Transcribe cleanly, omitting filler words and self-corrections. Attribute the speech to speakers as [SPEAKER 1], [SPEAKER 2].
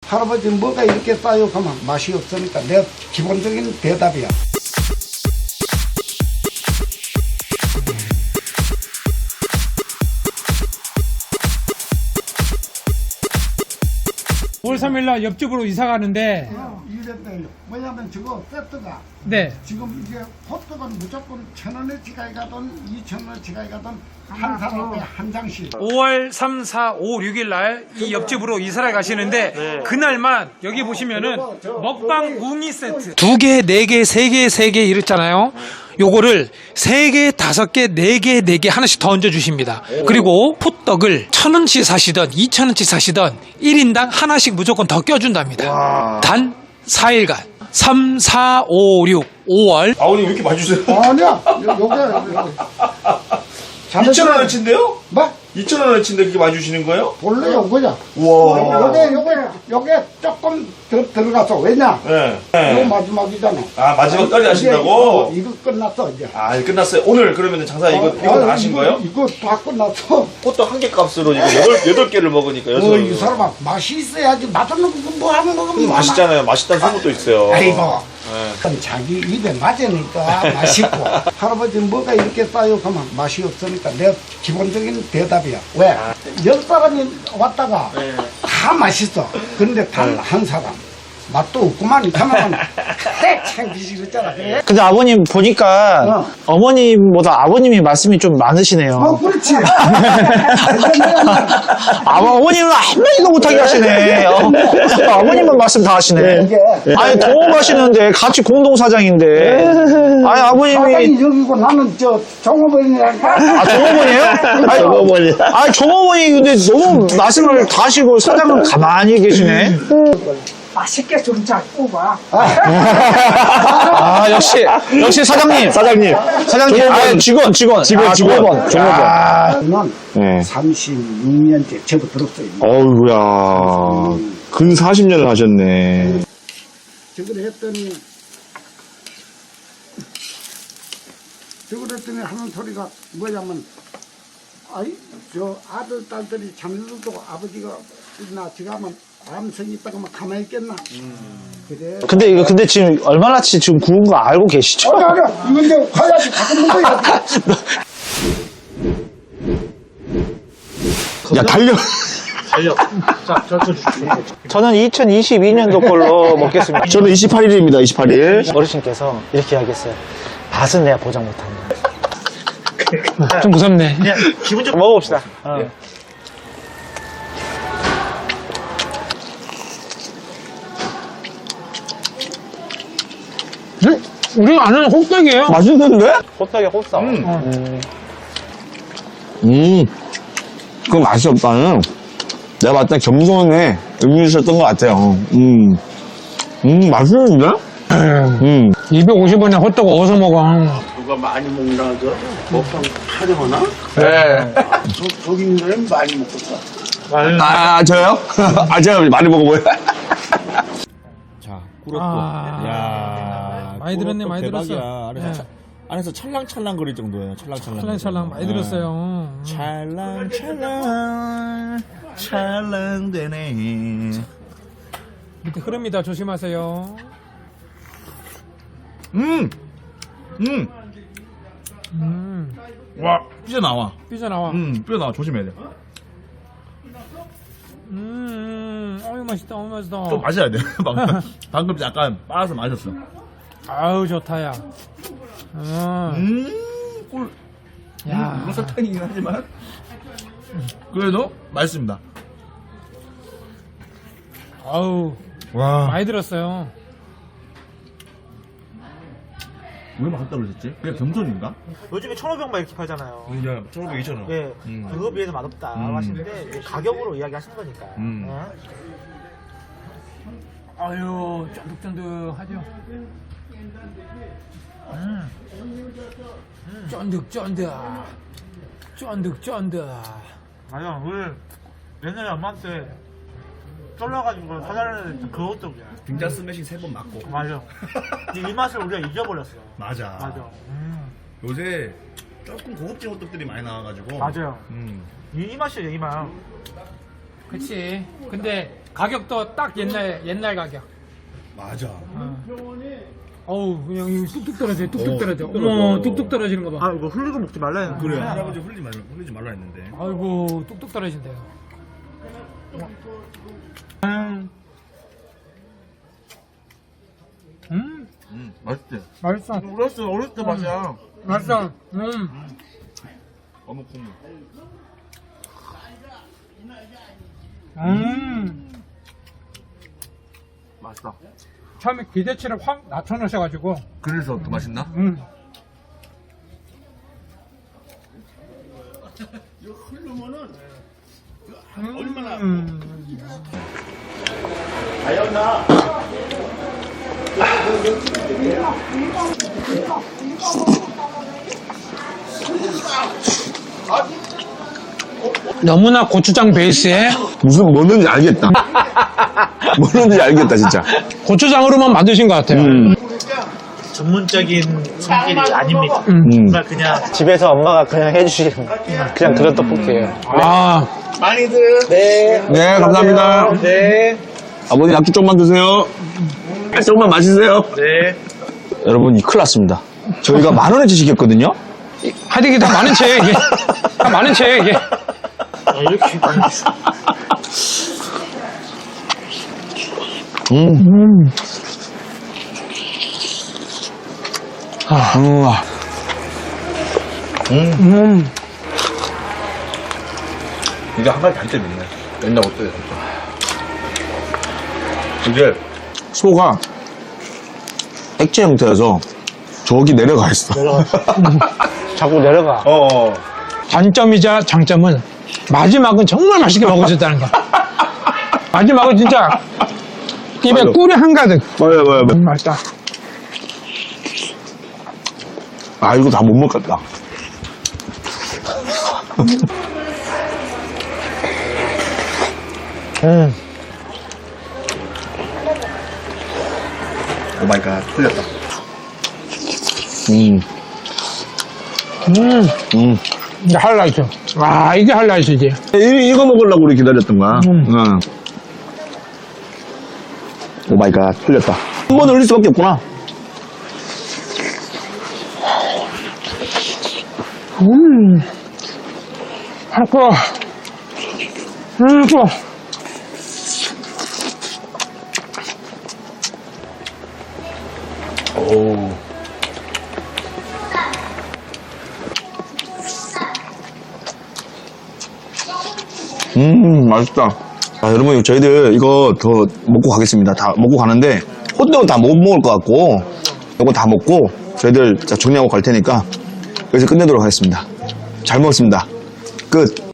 [SPEAKER 1] 할아버지 뭐가 이렇게 싸요? 그러면 맛이 없으니까 내 기본적인 대답이야.
[SPEAKER 2] 올 3일날 옆집으로 이사 가는데,
[SPEAKER 1] 이랬대요. 뭐냐면 저거 세트가
[SPEAKER 2] 네.
[SPEAKER 1] 지금 이게 호떡은 무조건 1,000원어치 가게 가든 2,000원어치 가게 가든 한 사람에 한 장씩.
[SPEAKER 2] 5월 3, 4, 5, 6일 날 이 옆집으로 이사를 가시는데 그날만 여기 보시면은 먹방 웅이 세트 2개, 4개, 3개, 3개 이랬잖아요. 요거를 3개, 5개, 4개, 4개 하나씩 더 얹어 주십니다. 그리고 호떡을 1,000원치 사시던 2,000원치 사시던 1인당 하나씩 무조건 더 껴준답니다. 단 4일간 3, 4, 5, 6, 5월
[SPEAKER 3] 아버님 왜 이렇게 많이 주세요?
[SPEAKER 1] 아니야. 요게
[SPEAKER 3] 2,000원어치인데요?
[SPEAKER 1] 뭐?
[SPEAKER 3] 2,000원어치인데 그렇게 많이 주시는 거예요?
[SPEAKER 1] 원래 요거야.
[SPEAKER 3] 우와.
[SPEAKER 1] 요게 조금 더 들어가서 왜냐?
[SPEAKER 3] 네.
[SPEAKER 1] 요
[SPEAKER 3] 네.
[SPEAKER 1] 마지막이잖아.
[SPEAKER 3] 아, 마지막 떨이 하신다고?
[SPEAKER 1] 이거 끝났어 이제.
[SPEAKER 3] 아, 이제 끝났어요. 오늘 그러면 장사 이거 다 하신 거예요?
[SPEAKER 1] 이거 다 끝났어.
[SPEAKER 3] 호떡 한 개 값으로 지금 8개를 먹으니까
[SPEAKER 1] 이 사람아 맛이 있어야지. 맛없는 거 뭐 하는 먹으면
[SPEAKER 3] 맛있잖아요. 맛있다는 소문도 있어요.
[SPEAKER 1] 아이고.
[SPEAKER 3] 네.
[SPEAKER 1] 그럼 자기 입에 맞으니까 맛있고 할아버지 뭐가 이렇게 싸요? 그러면 맛이 없으니까 내 기본적인 대답이야. 왜? 10사람이 왔다가 다 맛있어. 근데 단 한 사람 맛도 없구만 하면 창피시 그랬잖아. 그래?
[SPEAKER 4] 근데 아버님 보니까 어머님보다 아버님이 말씀이 좀 많으시네요.
[SPEAKER 1] 그렇지.
[SPEAKER 4] 어머님은 한마디도 못하게 하시네. 아버님은 말씀 다 하시네.
[SPEAKER 1] 이게
[SPEAKER 4] 아니 동업하시는데 같이 공동사장인데. 아니 아버님이
[SPEAKER 1] 사장이 여기고 나는 저 종업원이라니까.
[SPEAKER 4] 종업원이에요? 아니 종업원이 근데 너무 말씀을 다 하시고 사장은 가만히 계시네.
[SPEAKER 5] 맛있게 좀 잡고 봐.
[SPEAKER 4] 아 역시 사장님. 사장님. 아 직원. 종업원.
[SPEAKER 1] 저는
[SPEAKER 6] 네.
[SPEAKER 1] 36년째 접어들었어요.
[SPEAKER 6] 어우야, 근 40년을 하셨네.
[SPEAKER 1] 저걸 했더니 하는 소리가 뭐냐면 아이 저 아들 딸들이 자녀들도 아버지가 나 지금 하면 암성이 있다가 막 가만히 있겠나. 그래.
[SPEAKER 4] 근데 지금 얼마나치 지금 구운 거 알고 계시죠?
[SPEAKER 1] 아니 이건 이제 가야지 가끔 먹어야지.
[SPEAKER 6] 야, 달려.
[SPEAKER 4] 저는 2022년도 걸로 먹겠습니다.
[SPEAKER 6] 저는 28일입니다, 28일.
[SPEAKER 4] 어르신께서 이렇게 하겠어요. 맛은 내가 보장 못한다.
[SPEAKER 2] 좀 무섭네.
[SPEAKER 4] 기분 좀 먹어봅시다.
[SPEAKER 2] 우리가 아는 호떡이에요.
[SPEAKER 6] 맛있는데?
[SPEAKER 4] 호떡에 호떡.
[SPEAKER 6] 그건 맛이 없다는. 내가 봤을 때 겸손에 의미 있었던 것 같아요. 맛있는데?
[SPEAKER 2] 250원에 호떡 어디서 먹어?
[SPEAKER 7] 누가 많이 먹나 그 먹방 촬영하나?
[SPEAKER 6] 네.
[SPEAKER 7] 저기 있는 사람이 많이 먹었어.
[SPEAKER 6] 아, 저요? 아, 제가 많이 먹어보여요.
[SPEAKER 8] 자, 꿀호떡.
[SPEAKER 2] 아.
[SPEAKER 8] 야,
[SPEAKER 2] 많이 들었네,
[SPEAKER 8] 꿀호떡
[SPEAKER 2] 많이
[SPEAKER 8] 대박이야.
[SPEAKER 2] 들었어.
[SPEAKER 8] 안에서,
[SPEAKER 2] 네.
[SPEAKER 8] 안에서 찰랑찰랑 거릴 정도예요. 찰랑찰랑.
[SPEAKER 2] 찰랑찰랑 많이 들었어요.
[SPEAKER 8] 찰랑찰랑 찰랑되네.
[SPEAKER 2] 밑에 흐릅니다. 조심하세요.
[SPEAKER 8] 와, 삐져나와.
[SPEAKER 2] 삐져나와.
[SPEAKER 8] 삐져나와. 조심해야 돼.
[SPEAKER 2] 어유 맛있다. 어유 맛있다.
[SPEAKER 8] 좀 마셔야 돼. 방금 약간 빠서 마셨어.
[SPEAKER 2] 아우 좋다야.
[SPEAKER 8] 꿀.
[SPEAKER 2] 야.
[SPEAKER 8] 이거 설탕이긴 하지만. 그래도 맛있습니다.
[SPEAKER 2] 아우
[SPEAKER 8] 와.
[SPEAKER 2] 많이 들었어요.
[SPEAKER 8] 왜 맛있다고 그러셨지? 그냥 겸손인가?
[SPEAKER 4] 요즘에 1,500만 이렇게 팔잖아요.
[SPEAKER 8] 이제 1,500, 2,000원.
[SPEAKER 4] 예, 그거 비해서 맛없다 하시는데 가격으로 이야기하시는 거니까.
[SPEAKER 2] 아유 쫀득쫀득하죠. 쫀득쫀득.
[SPEAKER 4] 맞아, 우리 옛날에 엄마한테 쫄라가지고 사달라는 그 호떡이야.
[SPEAKER 8] 등장 스매싱 3번 맞고.
[SPEAKER 4] 맞아. 이 맛을 우리가 잊어버렸어.
[SPEAKER 8] 맞아.
[SPEAKER 4] 맞아.
[SPEAKER 8] 요새 조금 고급진 호떡들이 많이 나와가지고.
[SPEAKER 4] 맞아요. 이 맛이에요, 이 맛.
[SPEAKER 2] 그치. 근데 가격도 딱 옛날 가격.
[SPEAKER 8] 맞아.
[SPEAKER 2] 어우, 그냥 이거 뚝뚝 떨어져, 뚝뚝 떨어져. 어머, 뚝뚝 떨어지는 거 봐.
[SPEAKER 4] 이거 흘리고 먹지 말라 했는데.
[SPEAKER 8] 그래. 할아버지 흘리지 말라 했는데.
[SPEAKER 2] 아이고, 뚝뚝 떨어진대요.
[SPEAKER 8] 맛있지?
[SPEAKER 2] 맛있어.
[SPEAKER 8] 어렸을 때 맛이야.
[SPEAKER 2] 맛있어.
[SPEAKER 8] 어묵 국물. 맛있다.
[SPEAKER 2] 처음에 기대치를 확 낮춰놓으셔가지고.
[SPEAKER 8] 그래서 더 맛있나?
[SPEAKER 2] 너무나 고추장 베이스에
[SPEAKER 6] 무슨 뭐는지 알겠다. 뭐는지 알겠다 진짜.
[SPEAKER 2] 고추장으로만 만드신 것 같아요.
[SPEAKER 4] 전문적인 손길이 아닙니다. 정말 그냥 집에서 엄마가 그냥 해주신 그냥 그런 떡볶이에요.
[SPEAKER 2] 아,
[SPEAKER 6] 네 감사합니다.
[SPEAKER 4] 네.
[SPEAKER 6] 아버님 약주 조금만 드세요. 조금만 마시세요.
[SPEAKER 4] 네.
[SPEAKER 6] 여러분 이 큰일 났습니다. 저희가 10,000원에 시켰거든요.
[SPEAKER 2] 하여튼 이게 다 많은 채예요, 이게. 다 많은 채예요, 이게.
[SPEAKER 4] 이렇게 많이 주
[SPEAKER 8] 이게 한 가지 단점이 있네. 옛날 어때요? 이게
[SPEAKER 6] 소가 액체 형태여서 저기 내려가 있어.
[SPEAKER 4] 자꾸 내려가.
[SPEAKER 2] 단점이자 장점은 마지막은 정말 맛있게 먹어줬다는 거. 마지막은 진짜 입에
[SPEAKER 6] 맞아.
[SPEAKER 2] 꿀이 한가득.
[SPEAKER 6] 맞아요.
[SPEAKER 2] 맛있다.
[SPEAKER 6] 아 이거 다 못 먹겠다.
[SPEAKER 8] 오 마이 갓. 틀렸다.
[SPEAKER 2] 이게 하이라이트. 와, 이게 하이라이트지.
[SPEAKER 6] 이거 먹으려고 우리 기다렸던 거야. 응. 오 마이 갓. 틀렸다. 한 번 올릴 수밖에 없구나.
[SPEAKER 2] 아파. 아파.
[SPEAKER 6] 맛있다. 아, 여러분, 저희들 이거 더 먹고 가겠습니다. 다 먹고 가는데, 호떡은 다 못 먹을 것 같고, 이거 다 먹고, 저희들 정리하고 갈 테니까, 여기서 끝내도록 하겠습니다. 잘 먹었습니다. 끝.